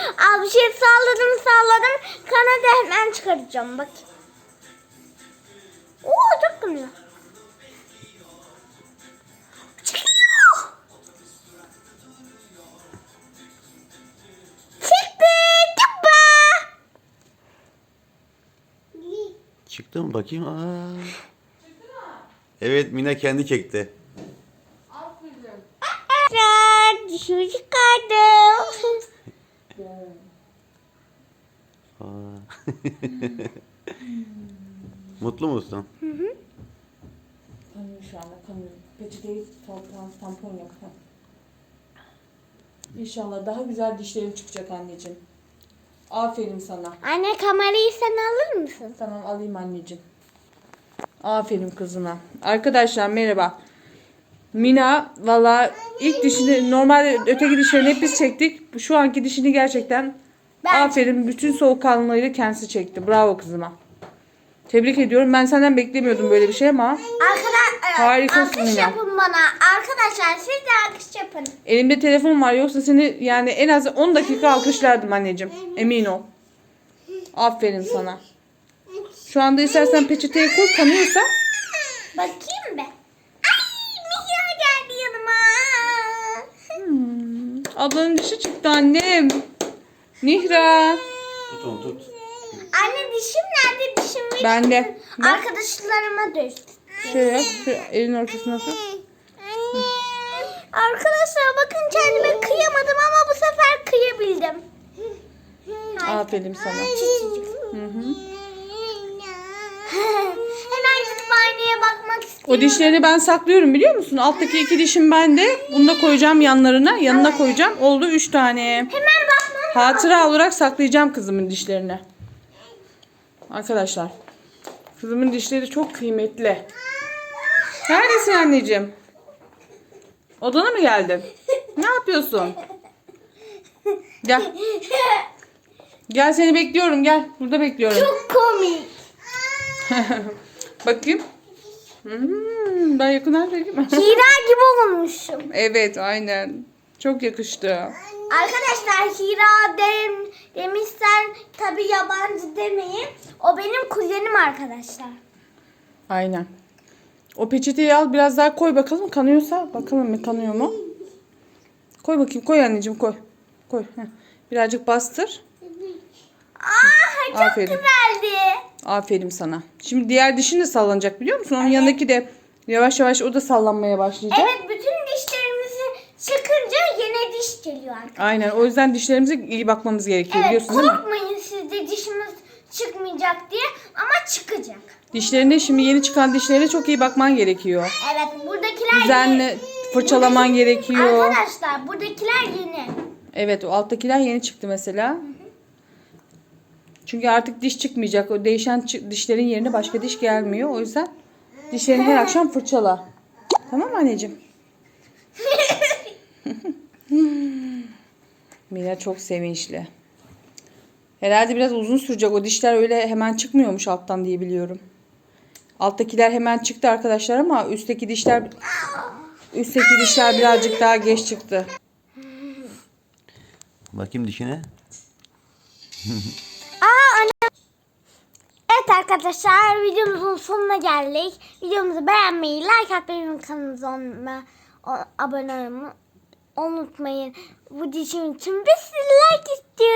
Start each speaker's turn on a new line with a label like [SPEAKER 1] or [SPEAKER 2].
[SPEAKER 1] Al bir şey salladım. Kanadı hemen çıkaracağım bak. Oo çok kanıyor. Çıkıyor. Çıktı. Tıbba.
[SPEAKER 2] Çıktı mı bakayım? Aa. Evet, Mina kendi çekti.
[SPEAKER 1] Dişimi çıkardım.
[SPEAKER 2] Aa. Mutlu musun?
[SPEAKER 3] Kanıyor şu anda, kanıyor. Peçeteyi tampon yap. İnşallah daha güzel dişlerin çıkacak anneciğim. Aferin sana.
[SPEAKER 1] Anne kamerayı sen alır mısın?
[SPEAKER 3] Tamam, alayım anneciğim. Aferin kızına. Arkadaşlar merhaba. Mina valla ilk dişini, normalde öteki dişlerini hep biz çektik. Şu anki dişini gerçekten aferin, bütün soğukkanlılığıyla kendisi çekti. Bravo kızıma. Tebrik ediyorum. Ben senden beklemiyordum böyle bir şey ama harikasın
[SPEAKER 1] Alkış
[SPEAKER 3] Mina.
[SPEAKER 1] yapın bana. Arkadaşlar siz de alkış yapın.
[SPEAKER 3] Elimde telefon var, yoksa seni yani en az 10 dakika alkışlardım anneciğim. Emin ol. Aferin sana. Şu anda istersen peçeteye koy, kanıyorsa.
[SPEAKER 1] Bakayım be. Ay Mihra geldi yanıma.
[SPEAKER 3] Ablanın dişi çıktı annem. Nihra.
[SPEAKER 2] Tut onu tut.
[SPEAKER 1] Anne dişim nerede? Dişim verir
[SPEAKER 3] Bende.
[SPEAKER 1] misin?
[SPEAKER 3] Bak.
[SPEAKER 1] Arkadaşlarıma düştü.
[SPEAKER 3] Şöyle yap. Şu elin ortasına tut.
[SPEAKER 1] Arkadaşlar bakın kendime kıyamadım ama bu sefer kıyabildim.
[SPEAKER 3] Aferin sana.
[SPEAKER 1] Küçücük. Hemen gidip aynaya bakmak istiyorum.
[SPEAKER 3] O dişlerini ben saklıyorum, biliyor musun? Alttaki 2 dişim bende. Bunu da koyacağım yanlarına. Yanına koyacağım. Oldu 3 tane.
[SPEAKER 1] Hemen bakmam.
[SPEAKER 3] Hatıra olarak saklayacağım kızımın dişlerini. Arkadaşlar. Kızımın dişleri çok kıymetli. Neredesin anneciğim? Odana mı geldin? Ne yapıyorsun? Gel. Gel, seni bekliyorum, gel. Burada bekliyorum.
[SPEAKER 1] Çok komik.
[SPEAKER 3] Bakayım. Ben yakından çekeyim mi?
[SPEAKER 1] Hira gibi olmuşum.
[SPEAKER 3] Evet, aynen. Çok yakıştı.
[SPEAKER 1] Arkadaşlar Hira demişler tabi yabancı demeyin. O benim kuzenim arkadaşlar.
[SPEAKER 3] Aynen. O peçeteyi al, biraz daha koy bakalım, kanıyorsa. Bakalım mı, kanıyor mu? Koy bakayım, koy anneciğim, koy. Koy. Heh. Birazcık bastır.
[SPEAKER 1] Aa çok
[SPEAKER 3] Aferin.
[SPEAKER 1] güzeldi.
[SPEAKER 3] Aferin sana. Şimdi diğer dişin de sallanacak, biliyor musun? Onun yanındaki de yavaş yavaş o da sallanmaya başlayacak.
[SPEAKER 1] Evet bütün dişlerimizi çıkınca yeni diş geliyor arkadaşlar.
[SPEAKER 3] Aynen, o yüzden dişlerimize iyi bakmamız gerekiyor,
[SPEAKER 1] Evet
[SPEAKER 3] biliyorsun değil mi?
[SPEAKER 1] korkmayın siz de dişimiz çıkmayacak diye ama çıkacak.
[SPEAKER 3] Dişlerine, şimdi yeni çıkan dişlerine çok iyi bakman gerekiyor.
[SPEAKER 1] Evet buradakiler
[SPEAKER 3] Düzenli fırçalaman gerekiyor.
[SPEAKER 1] Arkadaşlar buradakiler yeni.
[SPEAKER 3] Evet, o alttakiler yeni çıktı mesela. Çünkü artık diş çıkmayacak. O değişen dişlerin yerine başka diş gelmiyor. O yüzden dişlerini her akşam fırçala. Tamam mı anneciğim? Mila çok sevinçli. Herhalde biraz uzun sürecek. O dişler öyle hemen çıkmıyormuş alttan diye biliyorum. Alttakiler hemen çıktı arkadaşlar ama üstteki dişler birazcık daha geç çıktı.
[SPEAKER 2] Bakayım dişine.
[SPEAKER 1] Evet arkadaşlar videomuzun sonuna geldik. Videomuzu beğenmeyi, like atmayı, kanalımıza abone olmayı unutmayın. Bu dişim için bir sürü like istiyorum.